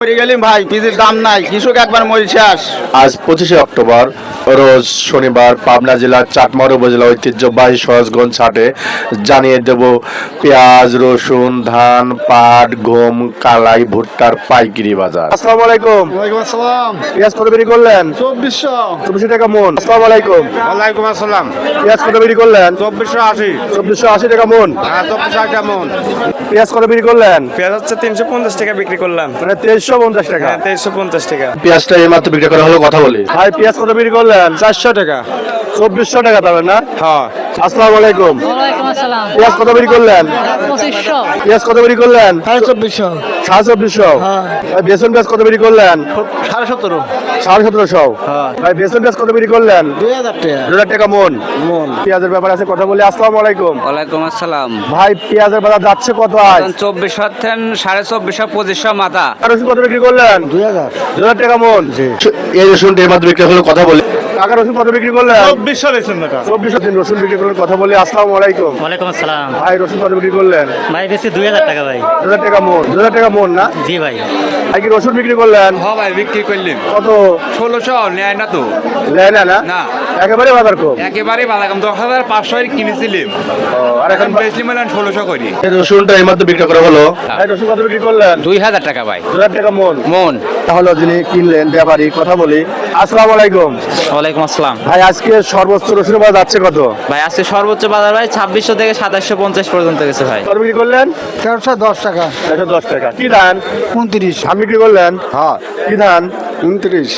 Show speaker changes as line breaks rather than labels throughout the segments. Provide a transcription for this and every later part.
ভাই পিজির দাম নাই, কৃষক একবার মরে শেষ।
আজ 25শে অক্টোবর রোজ শনিবার পাবনা জেলার চাটমার উপজেলা ঐতিহ্যবাহী সহজগঞ্জ হাটে জানিয়ে দেব পেঁয়াজ, রসুন, ধান, পাট, গম, কালাই, ভুট্টার পাইকারি বাজার। আসসালামু আলাইকুম।
ওয়ালাইকুম আসসালাম।
পেঁয়াজ কত বিক্রি করলেন?
2400
টাকা মন। আসসালামু আলাইকুম।
ওয়ালাইকুম আসসালাম।
পেঁয়াজ কত বিক্রি করলেন?
2480
2480 টাকা মন।
হ্যাঁ 2400 কেমন?
পেঁয়াজ কত বিক্রি করলেন?
পেঁয়াজ হচ্ছে 350 টাকা বিক্রি করলাম।
মানে 2350 টাকা।
হ্যাঁ 2350 টাকা।
পেঁয়াজটা এইমাত্র বিক্রি করা হলো, কথা বলি। ভাই পেঁয়াজ কত বিক্রি করলেন?
400 টাকা।
2400 টাকা পাবেন না?
হ্যাঁ।
আসসালামু আলাইকুম।
ওয়ালাইকুম আসসালাম।
পেঁয়াজ কত বিক্রি করলেন?
2500।
পেঁয়াজ কত বিক্রি করলেন?
2400।
2400। ভাই বেসন পেঁয়াজ কত বিক্রি করলেন?
17.5
1750। ভাই বেসন পেঁয়াজ কত বিক্রি করলেন?
2000 টাকা
2000 টাকা মন। পেঁয়াজের ব্যাপারে আছে, কথা বলি। আসসালামু আলাইকুম।
ওয়ালাইকুম আসসালাম।
ভাই পেঁয়াজের বাজার যাচ্ছে কত আজ?
2400 থেকে 2450 2500 মাথা।
আর রসুন কত বিক্রি করলেন? 2000 টাকা মন। এই রসুন এইমাত্র বিক্রি হলো, কথা বলি। কাকা রসুন কত বিক্রি করলেন?
2400 লেছেন না।
2400 দিন রসুন বিক্রি করলেন, কথা বলি। আসসালামু আলাইকুম।
ওয়ালাইকুম আসসালাম।
ভাই রসুন কত বিক্রি করলেন?
ভাই বেশি 2000 টাকা ভাই।
2000 টাকা মন। 2000 টাকা মন না?
জি ভাই।
ভাই কি রসুন বিক্রি করলেন?
হ্যাঁ ভাই বিক্রি করলেন।
কত?
1600 নেয় না তো।
নেয় না?
না।
একেবারে বাজার কম।
একেবারে বাধা কম 10500 কিনেছিলাম।
আর এখন
এখন বেশি মানে 1600 করি।
এই রসুনটা এইমাত্র বিক্রি করা হলো। ভাই রসুন কত বিক্রি করলেন?
2000 টাকা ভাই।
2000 টাকা মন।
মন।
তাহলে যিনি কিনলেন ব্যাপারী, কথা বলি। আসসালামু আলাইকুম।
ওয়ালাইকুম আসসালাম।
ভাই আজকে সর্বোচ্চ রসুনের বাজার যাচ্ছে কত?
ভাই আজকে সর্বোচ্চ বাজার ভাই 2600 থেকে 2750 পর্যন্ত গেছে ভাই।
কত বিক্রি করলেন?
410 টাকা।
110 টাকা। কি ধান?
29।
ধান বিক্রি করলেন?
হ্যাঁ
কি ধান?
29।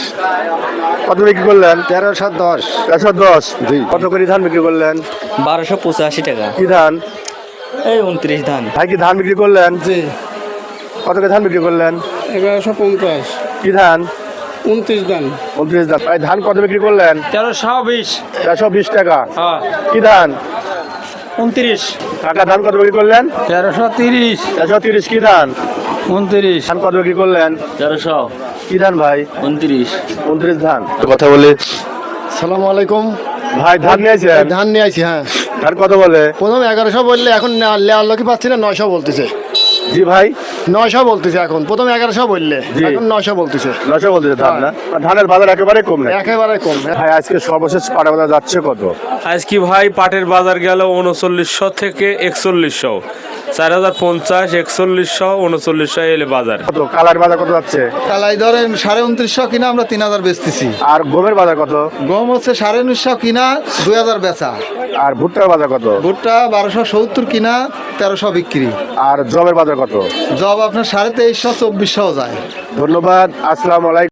কত বিক্রি করলেন?
1310।
110।
জি।
কত করে ধান বিক্রি করলেন?
1285 টাকা।
কি ধান?
এই 29 ধান।
ভাই কি ধান বিক্রি করলেন?
জি।
কত করে ধান বিক্রি করলেন?
1150।
কি ধান?
29 দান।
29 ধান। ভাই ধান কত বিক্রি করলেন?
1320।
120 টাকা।
হ্যাঁ।
কি ধান?
29।
কাকা ধান কত বিক্রি করলেন?
1330।
130। কি ধান?
29।
ধান কত বিক্রি করলেন?
1300
কি ধান ভাই?
29।
29 ধান। কথা বলি।
সালামু আলাইকুম।
ভাই ধান নিয়েছেন?
ধান নিয়ে আইছি। হ্যাঁ
ধান কত বলে?
প্রথম 1100 বললে এখন লেয়ার লোকই পাচ্ছি না, 900 বলতেছে।
জি ভাই।
900 বলতেছে এখন, প্রথম 1100 বললে
জি।
এখন 900 বলতেছে।
900 বলতেছে ধান না? আর ধানের বাজার একেবারে কম না।
একেবারে কম।
ভাই আজকে সর্বশেষ পাটা বাজার যাচ্ছে কত?
আজকে ভাই পাটের বাজার গেল 3900 থেকে 4100। 4050 4100 3900 এলে বাজার।
কত কালার বাজার কত যাচ্ছে?
কালাই ধরেন 2950 কিনা আমরা 3000 বেচতেছি।
আর গমের বাজার কত?
গম হচ্ছে 1950 কিনা 2000 বেচা।
আর ভুট্টার বাজার কত?
ভুট্টা 1270 কিনা 1300 বিক্রি।
আর জবের বাজার কত?
জব আপনার 2350 2400 যায়।
ধন্যবাদ। আসসালামু আলাইকুম।